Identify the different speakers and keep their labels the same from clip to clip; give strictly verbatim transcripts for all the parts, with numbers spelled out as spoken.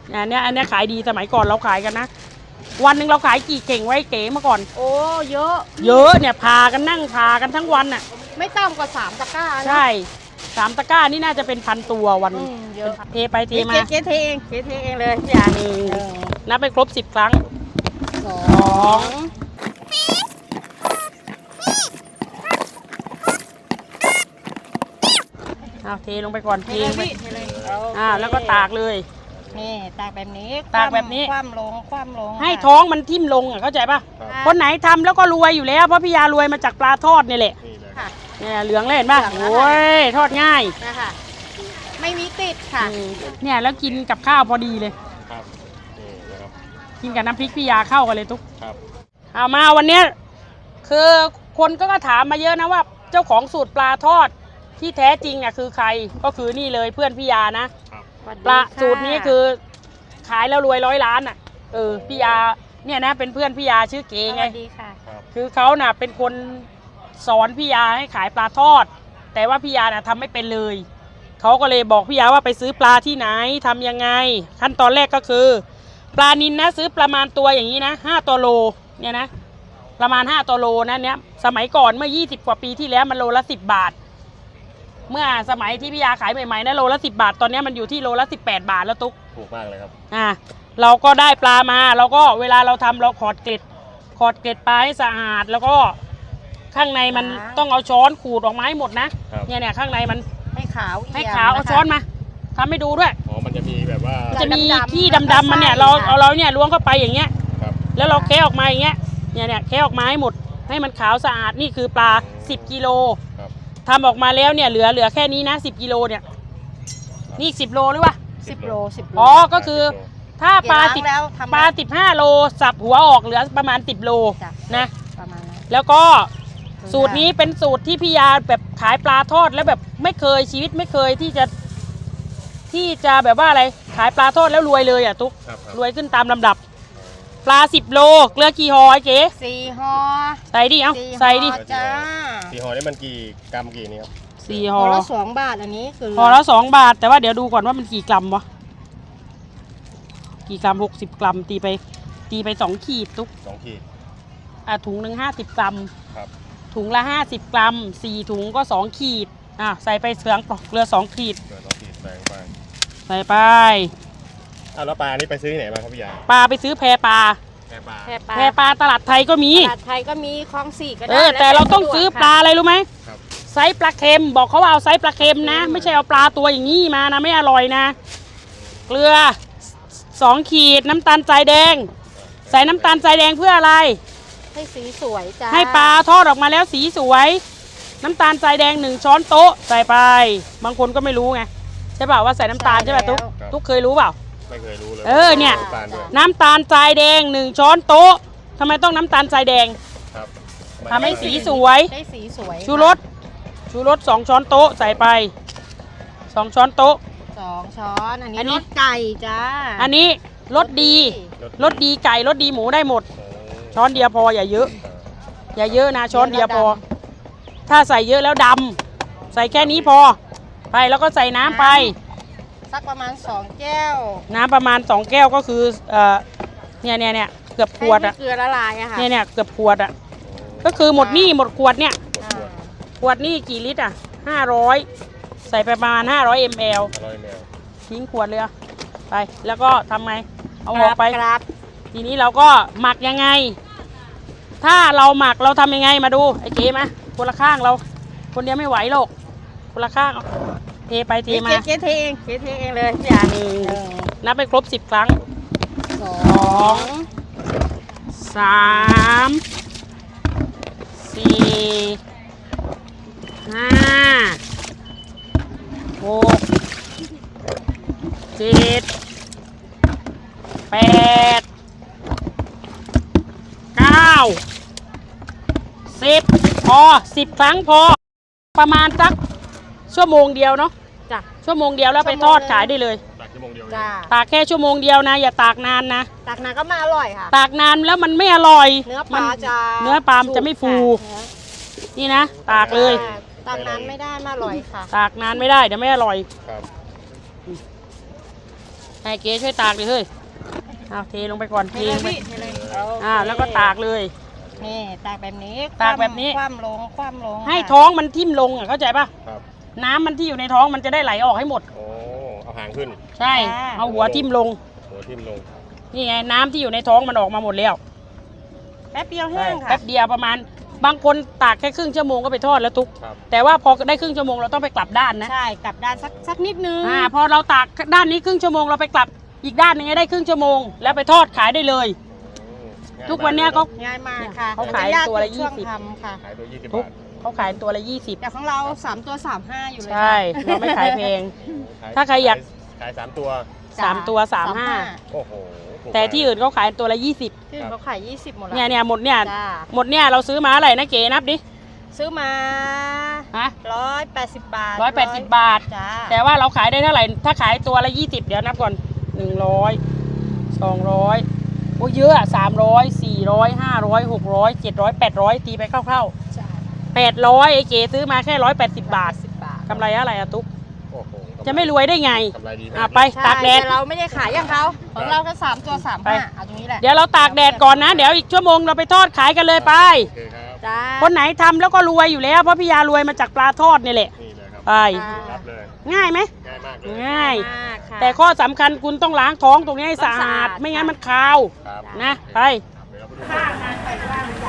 Speaker 1: อันนี้อันนี้ขายดีสมัยก่อนเราขายกันนะวันหนึ่งเราขายกี่เข่งไว้เก๋เมื่อก่อน
Speaker 2: โอ้เยอะ
Speaker 1: เยอะเนี่ยพากันนั่งพากันทั้งวันน่ะ
Speaker 2: ไม่ต่ำกว่าสามตะกร้า
Speaker 1: ใช่สามตะกร้านี่น่าจะเป็นพันตัววัน
Speaker 2: เยอะ
Speaker 1: เทไปเทมา
Speaker 2: เจ๊เทเองเจ๊เทเองเลยพี่ยา
Speaker 1: นับไปครบสิบครั้ง
Speaker 2: สอง
Speaker 1: เอาเทลงไปก่อนเทลงไปอ่าแล้วก็ตากเลย
Speaker 2: นี่ตากแบบนี้
Speaker 1: ตากแบบนี้
Speaker 2: คว่ำลงคว่ำลง
Speaker 1: ให้ท้องมันทิ่มลงอ่ะเข้าใจป่ะคนไหนทำแล้วก็รวยอยู่แล้วเพราะพี่ยารวยมาจากปลาทอดนี่แหละเนี่ยเหลืองเลยเห็นป่ะโอ้ยทอดง่าย
Speaker 2: นะคะไม่มีติดค่ะ
Speaker 1: เนี่ยแล้วกินกับข้าวพอดีเลยครับกินกับน้ำพริกพี่ยาเข้ากันเลยทุกครับเอามาวันเนี้ยคือคนก็ถามมาเยอะนะว่าเจ้าของสูตรปลาทอดที่แท้จริงอ่ะคือใครก็คือนี่เลยเพื่อนพี่ยานะปลาสูตรนี้คือขายแล้วรวยร้อยล้านอ่ะเออพี่ยาเนี่ยนะเป็นเพื่อนพี่ยาชื่อเก๋ไงคือเขาน่ะเป็นคนสอนพี่ยาให้ขายปลาทอดแต่ว่าพี่ยาน่ะทำไม่เป็นเลยเขาก็เลยบอกพี่ยาว่าไปซื้อปลาที่ไหนทำยังไงขั้นตอนแรกก็คือปลานิลนะซื้อประมาณตัวอย่างนี้นะห้าตัวโลเนี่ยนะประมาณห้าตัวโลนะเนี่ยสมัยก่อนเมื่อยี่สิบกว่าปีที่แล้วมันโลละสิบบาทเมื่อสมัยที่พี่ยาขายใหม่ๆนะโลละสิบบาทตอนนี้มันอยู่ที่โลละสิบแปดบาทแล้วตุ๊ก
Speaker 3: ถูกมากเลยครับ
Speaker 1: อ่าเราก็ได้ปลามาเราก็เวลาเราทำเราขอดเกล็ดขอดเกล็ดปลาให้สะอาดแล้วก็ข้างในมันต้องเอาช้อนขูดออกมาให้หมดนะเนี่ยเนี่ยข้างในมัน
Speaker 2: ให้ขาว
Speaker 1: ให้ขาวเอาช้อนมาทำให้ดูด้วย
Speaker 3: อ๋อมันจะมีแบบว่า
Speaker 1: จะมีขี้ดำๆมันเนี่ยเราเอาเราเนี่ยล้วงเข้าไปอย่างเงี้ยแล้วเราแคะออกมาอย่างเงี้ยเนี่ยเนี่ยแคะออกมาให้หมดให้มันขาวสะอาดนี่คือปลาสิบกิโลทำออกมาแล้วเนี่ยเหลือเหลือแค่นี้นะสิบกิโลเนี่ยนี่สิบโลหรือวะ
Speaker 2: สิบโลสิบโล
Speaker 1: อ๋อก็คือถ้าปลาสิบปลาสิบห้าโลสับหัวออกเหลือประมาณสิบโลนะ
Speaker 2: ประมาณนั้น
Speaker 1: แล้วก็สูตรนี้เป็นสูตรที่พี่ยาแบบขายปลาทอดแล้วแบบไม่เคยชีวิตไม่เคยที่จะที่จะแบบว่าอะไรขายปลาทอดแล้วรวยเลยอ่ะตุ๊กรวยขึ้นตามลำดับปลาสิบโลเกลือกี่ห่อไอ้เก๋
Speaker 2: สี่ห่อ
Speaker 1: ใส่ดิเอ้าใส่ดิ
Speaker 3: จ้าสี่ห่อนี่มันกี่กรัมกี่นี่ครับ
Speaker 1: สี่ห่อ
Speaker 2: ละสองบาทอันนี้คือ
Speaker 1: ห่อละสองบาทแต่ว่าเดี๋ยวดูก่อนว่ามันกี่กรัมวะกี่กรัมหกสิบกรัมตีไปตีไปสองขีดตุ๊ก
Speaker 3: สองขีด
Speaker 1: อ่ะถุงหนึ่งห้าสิบกรัม
Speaker 3: ครับ
Speaker 1: ถุงละห้าสิบกรัมสี่ถุงก็สองขีดอ่ะใส่ไปเสืองเกลือสองขีด
Speaker 3: เกลือสองขีดใส่ไป
Speaker 1: ใส่ไป
Speaker 3: อ้าวแล้วปลานี่ไปซื้อที่ไหนมาครับพี่ยา
Speaker 1: ปลาไปซื้อแพปลา
Speaker 3: แพปลา
Speaker 1: แพปลาตลาดไทยก็มี
Speaker 2: ตลาดไทยก็มีคลองสี่ก็ได้
Speaker 1: เออแต่เราต้องซื้อปลาอะไรรู้ไหมไซส์ปลาเค็มบอกเขาว่าเอาไซส์ปลาเค็มนะไม่ใช่เอาปลาตัวอย่างนี้มานะไม่อร่อยนะเกลือสองขีดน้ำตาลทรายแดงใส่น้ำตาลทรายแดงเพื่ออะไร
Speaker 2: ให้สีสวยจ้า
Speaker 1: ให้ปลาทอดออกมาแล้วสีสวยน้ำตาลทรายแดงหนึ่งช้อนโต๊ะใส่ไปบางคนก็ไม่รู้ไงใช่เปล่าว่าใส่น้ำตาลใช่ป่ะตุ๊กตุ๊กเคยรู้เปล่า
Speaker 3: ไม่เคยรู้เลย
Speaker 1: เออเนี่ยน้ำตาลทรายแดงหนึ่งช้อนโต๊ะทำไมต้องน้ำตาลทรายแดงทำให้สีสวย
Speaker 2: ได้สีสวย
Speaker 1: ชูรสชูรสสองช้อนโต๊ะใส่ไปสองช้อนโต๊ะ
Speaker 2: สองช้อนอันนี้รสไก่จ้า
Speaker 1: อันนี้รสดีรสดีไก่รสดีหมูได้หมดช้อนเดียวพออย่าเยอะอย่าเยอะนะช้อนเดียวพอถ้าใส่เยอะแล้วดำใส่แค่นี้พอไปแล้วก็ใส่น้ำไป
Speaker 2: สักประมาณสองแก้ว
Speaker 1: น้ำประมาณสองแก้วก็คือเอ่อเนี่ยเนี่ยเนี่ยเกือบขวดอ่ะ
Speaker 2: เกลือละลายอะค่ะ
Speaker 1: เนี่ยเนี่ยเกือบขวดอ่ะก็คือหมดนี่หมดขวดเนี่ยขวดนี่กี่ลิตรอ่ะห้าร้อยใส่ไปประมาณห้าร้อยมลทิ้งขวดเลยไปแล้วก็ทำไงเอาออกไปทีนี้เราก็หมักยังไงถ้าเราหมักเราทำยังไงมาดูไอ้เก๋มาคนละข้างเราคนเดียวไม่ไหวหรอกคนละข้างเทไปเทมา
Speaker 2: เจ๊เทเองเจ๊เทเองเลยพี่ยา
Speaker 1: นับไปครบสิบครั้ง
Speaker 2: สอง
Speaker 1: สามสี่ห้าหกเจ็ดแปดเก้าสิบพอสิบครั้งพอประมาณสักชั่วโมงเดียวเนาะจ้ะชั่วโมงเดียวแล้วไปทอดขายได้เลย
Speaker 3: ตากชั่วโมงเดียว
Speaker 2: จ้ะ
Speaker 1: ตากแค่ชั่วโมงเดียวนะอย่าตากนานนะ
Speaker 2: ตากนานก็ไม่อร่อยค่ะ
Speaker 1: ตากนานแล้วมันไม่อร่อย
Speaker 2: เนื้อปลาจะ
Speaker 1: เนื้อปลาจะไม่ฟูนี่นะตากเลย
Speaker 2: ตากนานไม่ได้ไม่อร่อยค่ะ
Speaker 1: ตากนานไม่ได้เดี๋ยวไม่อร่อยแค่ให้เก๋ช่วยตากเลยเฮ้ยเอาเทลงไปก่อนเท
Speaker 2: เทเล
Speaker 1: ล
Speaker 2: ย
Speaker 1: งไป
Speaker 2: พี่เทเลย
Speaker 1: อ่าแล้วก็ตากเลย
Speaker 2: นี่ตากแบบนี้
Speaker 1: ตากแบบนี้
Speaker 2: คว่ำลงคว่ำลง
Speaker 1: ให้
Speaker 2: ค่ะ
Speaker 1: ท้องมันทิ่มลงอ่ะเข้าใจป่ะ
Speaker 3: ครับ
Speaker 1: น้ำมันที่อยู่ในท้องมันจะได้ไหลออกให้หมด
Speaker 3: โอ้เอาหางขึ้น
Speaker 1: ใช่เอาหัวทิ่มลง
Speaker 3: หัวทิ่มลง
Speaker 1: นี่ไงน้ำที่อยู่ในท้องมันออกมาหมดแล้ว
Speaker 2: แป๊บเดียวแห้งค่ะ
Speaker 1: แป๊บเดียวประมาณบางคนตากแค่ครึ่งชั่วโมงก็ไปทอดแล้วทุก
Speaker 3: ครับ
Speaker 1: แต่ว่าพอได้ครึ่งชั่วโมงเราต้องไปกลับด้านนะ
Speaker 2: ใช่กลับด้านสักสักนิดนึง
Speaker 1: อ่าพอเราตากด้านนี้ครึ่งชั่วโมงเราไปกลับอีกด้านหนึงให้ได้ครึ่งชั่วโมงแล้วไปทอดขายได้เลย
Speaker 3: ง่าย
Speaker 1: ทุกวันเนี้ย
Speaker 3: ม
Speaker 1: เขา
Speaker 2: ง่ายมากค่ะ
Speaker 1: เขาขาย
Speaker 2: มันจะก
Speaker 1: ตัวละ
Speaker 2: ช่วง
Speaker 1: ยี่สิบ
Speaker 2: ทำค่ะ
Speaker 3: ขายตัวยี่สิบ
Speaker 1: ทุก
Speaker 3: บาท
Speaker 1: เขาขายตัวละยี่สิบ
Speaker 2: แต่ของเราสามตัวสามห้าอยู่เลย
Speaker 1: ใช่
Speaker 2: ค่ะ
Speaker 1: เราไม่ขายแพง
Speaker 3: ขย
Speaker 1: ถ้าใครอยาก
Speaker 3: ขายสามตัว
Speaker 1: สามตัวสามห้า
Speaker 3: โอ้โหถูก
Speaker 1: แต่ที่อื่นเขาขายตัวละยี่สิบ
Speaker 2: ที่อื่นเขาขายยี่สิบหมดแล้ว
Speaker 1: เนี่ยเนี่ยหมดเนี่ย
Speaker 2: จ้า
Speaker 1: หมดเนี่ยเราซื้อมาอะไรนะเก๋นับดิ
Speaker 2: ซื้อมา
Speaker 1: ฮะ
Speaker 2: ร้อยแปดสิบบาท
Speaker 1: ร้อยแปดสิบบาท
Speaker 2: จ้า
Speaker 1: แต่ว่าเราขายได้เท่าไหร่ถ้าขายตัวละยี่สิบเดี๋ยวนับก่อนหนึ่งร้อยสองร้อยโอ้เยอะสามร้อยสี่ร้อยห้าร้อยหกร้อยเจ็ดร้อยแปดร้อยตีไปคร่าวๆ
Speaker 2: ใช่
Speaker 1: แปดร้อยไอ้เก๋ซื้อมาแค่ร้อยแปดสิบบาท
Speaker 2: สิบบาท
Speaker 1: กำไรอะไรอะตุ๊ก
Speaker 3: โอ้โห
Speaker 1: จะไม่รวยได้ไง
Speaker 3: กำไรดีมาก
Speaker 1: อ่ะไป
Speaker 2: ใช่
Speaker 1: ตากแดด
Speaker 2: แต่เราไม่ได้ขายอย่างเขาของเราก็สามตัวสาม
Speaker 1: ไป
Speaker 2: ห้าเอาตรงนี้แหละ
Speaker 1: เดี๋ยวเราตากแดดก่อนนะ เดี๋ยวอีกชั่วโมงเราไปทอดขายกันเลยไป
Speaker 3: โอเคครับ
Speaker 2: จ้า
Speaker 1: คนไหนทำแล้วก็รวยอยู่แล้วเพราะพี่ยารวยมาจากปลาทอดนี่แหละ
Speaker 3: นี่เลยครับ
Speaker 1: ไป
Speaker 3: รับเลย
Speaker 1: ง่ายไหม
Speaker 3: ง่ายมากเลย
Speaker 1: ง่าย
Speaker 2: มากค่ะ
Speaker 1: แต่ข้อสำคัญคุณต้องล้างท้องตรงนี้ให้สะอาด
Speaker 2: ต้องสะอาด
Speaker 1: ไม่งั้นมันคาว
Speaker 3: ครับ
Speaker 1: นะไป
Speaker 3: เดี๋ยวเราไปดู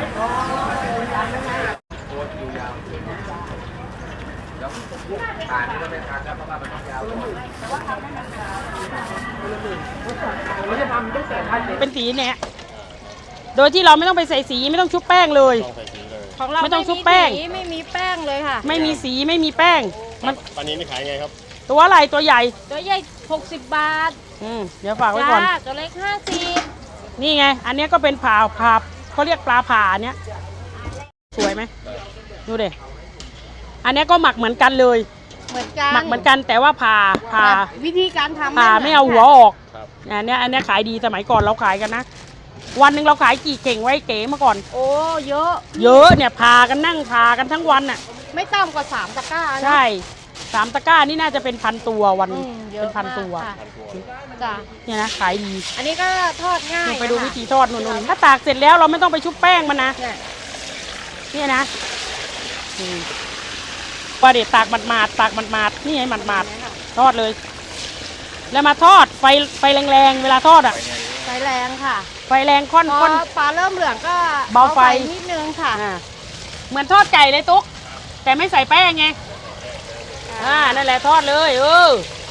Speaker 1: เป็นสีเนี่ยโดยที่เราไม่ต้องไปใส่สีไม่ต้องชุบแป้งเลย
Speaker 3: ต้องใส่สีเลย
Speaker 2: ของเรา
Speaker 1: ไม่ต้องชุบแป้ง
Speaker 2: สีไม่มีแป้งเลยค่ะ
Speaker 1: ไม่มีสีไม่มีแป้ง มัน
Speaker 3: ปลานี้นี่ขายไงครับ
Speaker 1: ตัวอะไรตัวใหญ่
Speaker 2: ตัวใหญ่หกสิบบาท
Speaker 1: อืมเดี๋ยวฝากไว้ก่อน
Speaker 2: จ้าตัวเล็กห้าสิบ
Speaker 1: นี่ไง อันเนี้ยก็เป็นผ่าผ่าเขาเรียกปลาผ่าอันเนี้ยสวยไหมดูเด็อันเนี้ยก็หมักเหมือนกันเลย
Speaker 2: เหมือนกัน
Speaker 1: หมักเหมือนกันแต่ว่าผ่าผ่า
Speaker 2: แต่วิธีการทำ
Speaker 1: ผ่า
Speaker 2: หน
Speaker 1: ไม่เอาหัว
Speaker 2: กัน
Speaker 1: ออก
Speaker 3: ครับ
Speaker 1: อันเนี้ยอันเนี้ยขายดีสมัยก่อนเราขายกันนะ วันหนึ่งเราขายกี่เก่งไว้เก๋เมื่อก่อน
Speaker 2: โอ้เยอะ
Speaker 1: เยอะเนี่ยผ่ากันนั่งผ่ากันทั้งวันน่ะ
Speaker 2: ไม่ต่ำกว่าสามตะกร้านะ
Speaker 1: ใช่สามตะกร้านี่น่าจะเป็นพันตัววันห
Speaker 2: อื
Speaker 1: นึ่ง
Speaker 2: มเย
Speaker 1: เป็
Speaker 2: อะ
Speaker 1: นพันตัว
Speaker 2: มากค่ะ
Speaker 3: พันตัว
Speaker 2: จ้า
Speaker 1: เนี่ยนะขายดี
Speaker 2: อันนี้ก็ทอดง่าย
Speaker 1: นี่ไปดู
Speaker 2: นะคะ
Speaker 1: วิธีทอดนู่นๆถ้าตากเสร็จแล้วเราไม่ต้องไปชุบแป้งมันนะ
Speaker 2: เนี่ย
Speaker 1: เนี่ยนะอืมว่าเด็ดตากหมาดๆตากหมาดๆนี่ไงหมาดๆทอดเลย แล้วมาทอดไฟไฟแรงๆเวลาทอดอ่ะ
Speaker 2: ไฟแรงค่ะ
Speaker 1: ไฟแรงค่อน
Speaker 2: พอ
Speaker 1: ค่อน
Speaker 2: ปลาเริ่มเหลืองก็
Speaker 1: เบาไฟ
Speaker 2: นิดนึงค่ะ
Speaker 1: อ่าเหมือนทอดไก่เลยตุ๊กแต่ไม่ใส่แป้งไงอ่านั่นแหละทอดเลยเออ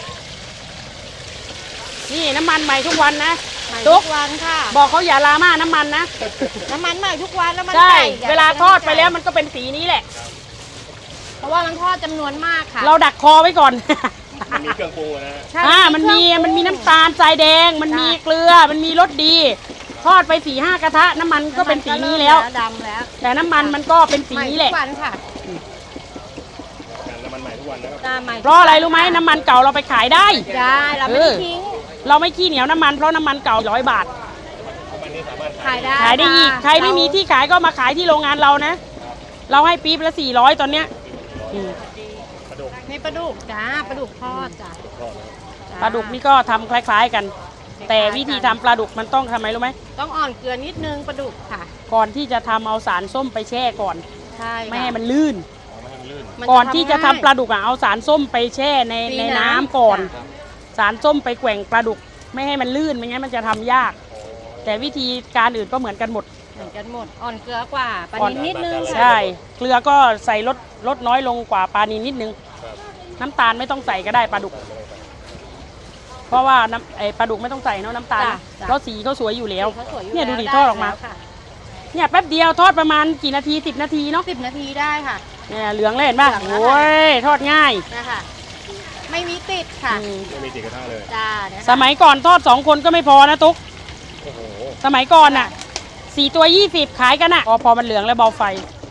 Speaker 1: นี่น้ำมันใหม่ทุกวันนะ
Speaker 2: ใหม่
Speaker 1: ตุ๊
Speaker 2: ทุ
Speaker 1: ก
Speaker 2: กวันค่ะ
Speaker 1: บอกเขาอย่าลาม่าน้ำมันนะ
Speaker 2: น้ำมันใหม่ทุกวันแล้วมัน
Speaker 1: ใช่
Speaker 2: ไก่อย่
Speaker 1: เวลาทอดไปแล้วมันก็เป็นสีนี้แหละ
Speaker 2: เพราะว่ามันทอดจำนวนมากค่ะ
Speaker 1: เราดักคอไว้ก่อน
Speaker 3: มันมีเครื่องปรุงอะนะฮะ
Speaker 2: ใช่
Speaker 1: อ่ามันมี
Speaker 2: เครื่องปรุง
Speaker 1: มันมีน้ำตาลทรายแดง มันมีเกลือ มันมีรสดี ทอดไปสี่ห้ากระทะ น้ำมันก็เป็นสีนี้แล้ว
Speaker 2: ดำแล้ว
Speaker 1: แต่น้ำมันมันก็เป็นสี
Speaker 2: ใหม่
Speaker 1: นี้
Speaker 2: ทุ
Speaker 1: แหละ
Speaker 2: กวันค่ะ
Speaker 3: น้ำมันใหม่ทุกวันนะครับ
Speaker 2: หน้าใหม่
Speaker 1: เพราะอะไรรู้ไหมน้ำมันเก่าเราไปขายได้
Speaker 2: ได้เราไม่ได้ทิ้ง
Speaker 1: เราไม่ขี้เหนียวน้ำมันเพราะน้ำมันเก่าร้อยบาท
Speaker 3: ทุกวันนี้สามารถ
Speaker 2: ขายได้
Speaker 1: ขายได้อีก
Speaker 2: ค่ะ
Speaker 1: ใครไม่มีที่ขายก็มาขายที่โรงงานเรานะ เราให้ปี๊บละสี่ร้อยตอนเนี้ยอืม
Speaker 3: กระดูก
Speaker 2: มีปลาดุกจ้าปลาดุกทอดจ้า
Speaker 3: ทอดนะครับ
Speaker 1: ปลาดุกนี่ก็ทำคล้ายๆกัน แต่วิธีทำปลาดุกมันต้องทำไมรู้ไหม
Speaker 2: ต้องอ่อนเกลือนิดนึงปลาดุกค่ะ
Speaker 1: ก่อนที่จะทำเอาสารส้มไปแช่ก่อน
Speaker 2: ใช่ค่ะ
Speaker 1: ไม่ให้มันลื่น
Speaker 3: อ๋อไม่ให้มันลื่น
Speaker 2: มั
Speaker 1: ก่อนที่จะทำ
Speaker 2: ง่าย
Speaker 1: ปลาดุกอ่ะเอาสารส้มไปแช่ใน
Speaker 2: ตี
Speaker 1: ใน
Speaker 2: น้ำ
Speaker 1: น้ำก่อน
Speaker 2: จ้ะ
Speaker 1: สารส้มไปแกว่งปลาดุกไม่ให้มันลื่นไม่งั้นมันจะทำยาก แต่วิธีการอื่นก็เหมือนกันหมด
Speaker 2: เหมือนกันหมด อ่อนเกลือกว่าปลา
Speaker 1: อ่อน
Speaker 2: นิดนิดนึง
Speaker 1: ใช่ เกลือก็ใส่ลดลดน้อยลงกว่าปลานีนิดนึง
Speaker 3: ครับ
Speaker 1: น้ำตาลไม่ต้องใส่ก็ได้ปลาดุก เพราะว่าน้ำไอปลาดุกไม่ต้องใส่เนาะน้ำตาล
Speaker 2: จ้ะจ้ะ
Speaker 1: เพราะสีเขาสวยอยู่แล้ว
Speaker 2: เขาสวยอยู่
Speaker 1: เนี่ยดูดิ
Speaker 2: แล้ว
Speaker 1: ทอดออกมา
Speaker 2: ไแล้วค่ะ
Speaker 1: เนี่ยแป๊บเดียวทอดประมาณกี่นาทีสิบนาทีเนาะ
Speaker 2: สิบนาทีได้ค่ะ
Speaker 1: เนี่ยเหลืองเลยเห็นป่ะ
Speaker 2: เหลืองแล้ว
Speaker 1: โอ้ยทอดง่าย
Speaker 2: นะคะไม่มีติดค่ะ
Speaker 1: อืม
Speaker 3: ไม่มีติดกระทะเลย
Speaker 2: จ้าเนี่ย
Speaker 1: สมัยก่อนทอดสองคนก็ไม่พอนะตุ๊ก
Speaker 3: โอ้โห
Speaker 1: สมัยก่อนน่ะสี่ตัวยี่สิบขายกันน่ะพอพอมันเหลืองแล้วเบาไฟ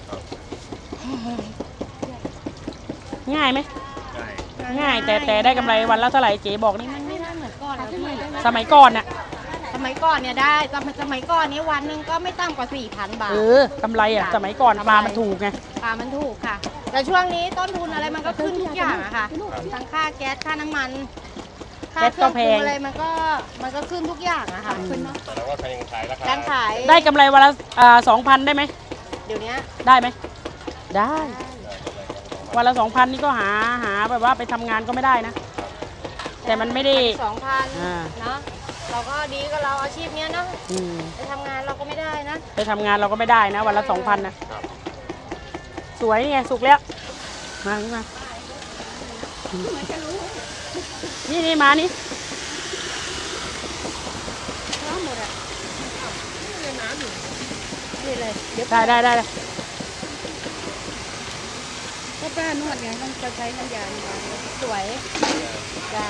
Speaker 1: ง่ายไหม
Speaker 3: ได้
Speaker 1: ง่าย แต่แต่ได้กำไรวันละเท่าไหร่เก๋บอกนี่
Speaker 2: มันไม่ได้เหมือนก่อนแล้วพี่
Speaker 1: สมัยก่อนน่ะ
Speaker 2: สมัยก่อนเนี่ยได้สมัยสมัยก่อนนี้วันหนึ่งก็ไม่ต่ำกว่าสี่พันบาท
Speaker 1: เออกำไรอ่ะ สมัยก่อนปลามันถูกไง
Speaker 2: ปลามันถูกค่ะ แต่ช่วงนี้ต้นทุนอะไรมันก็ขึ้นทุกอย่างอะค่ะ ทั้งค่าแก๊สค่าน้ำมันค่า
Speaker 1: แก๊ส
Speaker 2: เครื่
Speaker 1: ก็
Speaker 2: อง
Speaker 1: แพ
Speaker 2: ปรุง
Speaker 1: ง
Speaker 2: อะไรมันก็มันก็ขึ้นทุกอย่างอะค่ะขึ้นเนาะ
Speaker 3: แต่ว่าใครยังขายราคา
Speaker 2: การขาย
Speaker 1: ได้กำไรวันละสองพันได้ไหม
Speaker 2: เดี๋ยวนี้
Speaker 1: ได้ไหมได้ วันละสองพันนี่ก็หาหาแบบว่าไปทำงานก็ไม่ได้นะ แต่มันไม่ได้
Speaker 2: สองพัน
Speaker 1: อ่า
Speaker 2: เนาะเราก็ดีกับเราอาชีพเนี้ยเนาะ
Speaker 1: อืม
Speaker 2: ไปทำงานเราก็ไม่ได้นะ
Speaker 1: ไปทำงานเราก็ไม่ได้นะ วันละสองพันนะสวยนี่ไงสุกแล้ว มานี่มานี่นี่มานี่
Speaker 2: นี่เลยเดี๋ยว
Speaker 1: ได้ได้ได้ได้
Speaker 2: ก็ป้านวดไงต้องจะใช้น้ำยาดีกว่าสวยจ้า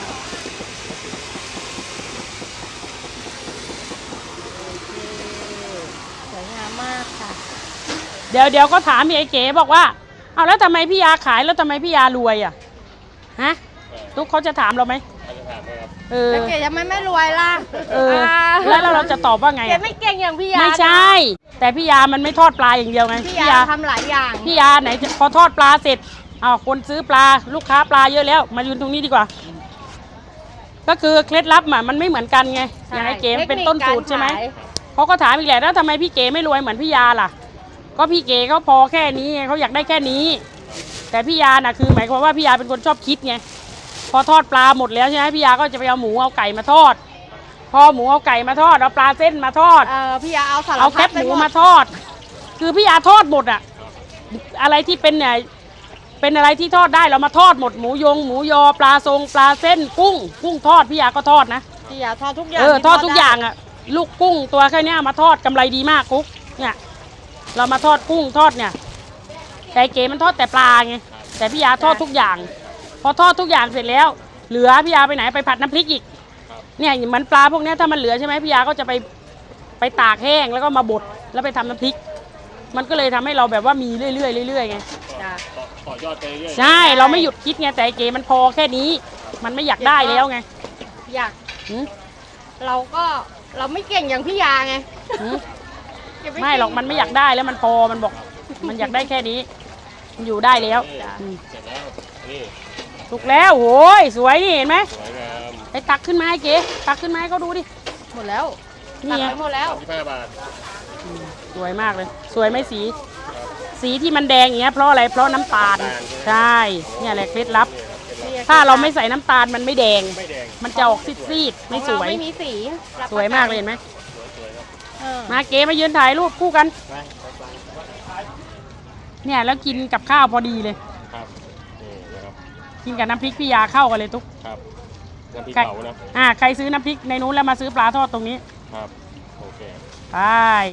Speaker 2: สวยงามมากค่ะ
Speaker 1: เดี๋ยวเดี๋ยวก็ถามพี่ไอ้เก๋บอกว่าเอาแล้วทำไมพี่ยาขายแล้วทำไมพี่ยารวยอ่ะฮะทุกเขาจะถามเราไหม
Speaker 3: เขาจะถามไหมครับ
Speaker 1: เออ
Speaker 2: แล้วเก๋ทำไมไม่รวยล่ะ
Speaker 1: เออแล้วเราเราจะตอบว่าไง
Speaker 2: เก๋
Speaker 1: อะ
Speaker 2: ไม่เก่งอย่างพี่ยา
Speaker 1: ไม่ใช่ แต่พี่ยามันไม่ทอดปลาอย่างเดียวไง
Speaker 2: พี่ยาทำหลายอย่าง
Speaker 1: พี่ยาไหนจะพอทอดปลาเสร็จอ้าวคนซื้อปลาลูกค้าปลาเยอะแล้ว มายืนตรงนี้ดีกว่า ก็คือเคล็ดลับอะมันไม่เหมือนกันไงอย่างไอ้เก๋มันเป็นต้นสูตรใช่ไหมเขาก็ถามอีกแหละแล้วทำไมพี่เก๋ไม่รวยเหมือนพี่ยาล่ะ ก็พี่เก๋เขาพอแค่นี้ไงเขาอยากได้แค่นี้ แต่พี่ยาน่ะคือหมายความว่าพี่ยาเป็นคนชอบคิดไงพอทอดปลาหมดแล้วใช่ไหมพี่ยาก็จะไปเอาหมูเอาไก่มาทอด พอหมูเอาไก่มาทอดเอาปลาเส้นมาทอด
Speaker 2: เออพี่ยาเอาสาร
Speaker 1: เอา
Speaker 2: พั
Speaker 1: แค
Speaker 2: ด
Speaker 1: บ
Speaker 2: ไป
Speaker 1: หมู
Speaker 2: หมด
Speaker 1: มาทอด คือพี่ยาทอดหมดอะอะไรที่เป็นเนี่ยเป็นอะไรที่ทอดได้เรามาทอดหมดหมูยงหมูยอปลาทรงปลาเส้นกุ้ง กุ้งทอดพี่ยาก็ทอดนะ
Speaker 2: พี่ยาทอดทุกอย่าง
Speaker 1: เออ
Speaker 2: ที่
Speaker 1: ทอดทุก
Speaker 2: ไ
Speaker 1: อย่างอะลูกกุ้งตัวแค่เนี้ยมาทอดกำไรดีมากกุ๊กเนี่ยเรามาทอดกุ้งทอดเนี่ยแต่เก๋มันทอดแต่ปลาไงแต่พี่ยาทอดทุกอย่าง พอทอดทุกอย่างเสร็จแล้ว เหลือพี่ยาไปไหนไปผัดน้ำพริกอีกเนี่ยเหมือนปลาพวกเนี้ยถ้ามันเหลือใช่ไหมพี่ยาก็จะไปไปตากแห้งแล้วก็มาบดแล้วไปทำน้ำพริก มันก็เลยทำให้เราแบบว่ามีเรื่อยๆเรื่อยๆไง
Speaker 2: จ้ะ
Speaker 3: ต่อต่อยอดไปเรื่อย
Speaker 1: ใช่เราไม่หยุดคิดไงแต่ไอ้เก๋มันพอแค่นี้ มันไม่อยากได้แล้วไง
Speaker 2: อยาก
Speaker 1: หืม
Speaker 2: เราก็เราไม่เก่งอย่างพี่ยาไง
Speaker 1: หืม
Speaker 2: เก่ง
Speaker 1: ไม่หรอกมันไม่อยากได้แล้วมันพอมันบอก มันอยากได้แค่นี้มันอยู่ได้แล้ว
Speaker 3: นี่
Speaker 1: อืม
Speaker 3: เสร็จแล้วนี่
Speaker 1: ถูกแล้วโอ้ยสวยนี่เห็นไหม
Speaker 3: สวยงาม
Speaker 1: ไปตักขึ้นมาให้เก๋ตักขึ้นมาให้เขาดูดิ
Speaker 2: หมดแล้ว
Speaker 1: นี่
Speaker 2: ตัด
Speaker 1: ไง
Speaker 2: ไปหมดแล้ว
Speaker 3: สิบห้าบาท
Speaker 1: สวยมากเลย สวยไหมสี สีที่มันแดงอย่างเงี้ยเพราะอะไรเพราะน้ำตาลใช่เนี่ยแหละเคล็ดลับ ถ้าเราไม่ใส่น้ำตาลมันไม่แดง
Speaker 3: ไม่แดง
Speaker 1: มันจะออกซีดๆไม่สวย
Speaker 2: ของเราไม่มีสีรับ
Speaker 1: สวยมากเลยเห็นไหม
Speaker 3: สวยๆครับ
Speaker 2: เออ
Speaker 1: มาเก๋มายืนถ่ายรูปคู่กัน
Speaker 3: ไปไปไป
Speaker 1: เนี่ยแล้วกินกับข้าวพอดีเลย
Speaker 3: ครับนี่นะครับ
Speaker 1: กินกับน้ำพริกพี่ยาเข้ากันเลยทุก
Speaker 3: ครับน้ำพริก
Speaker 1: ใคร
Speaker 3: เผานะ
Speaker 1: อ่าใครซื้อน้ำพริกในนู้นแล้วมาซื้อปลาทอดตรงนี้
Speaker 3: ครับโอเค
Speaker 1: ไป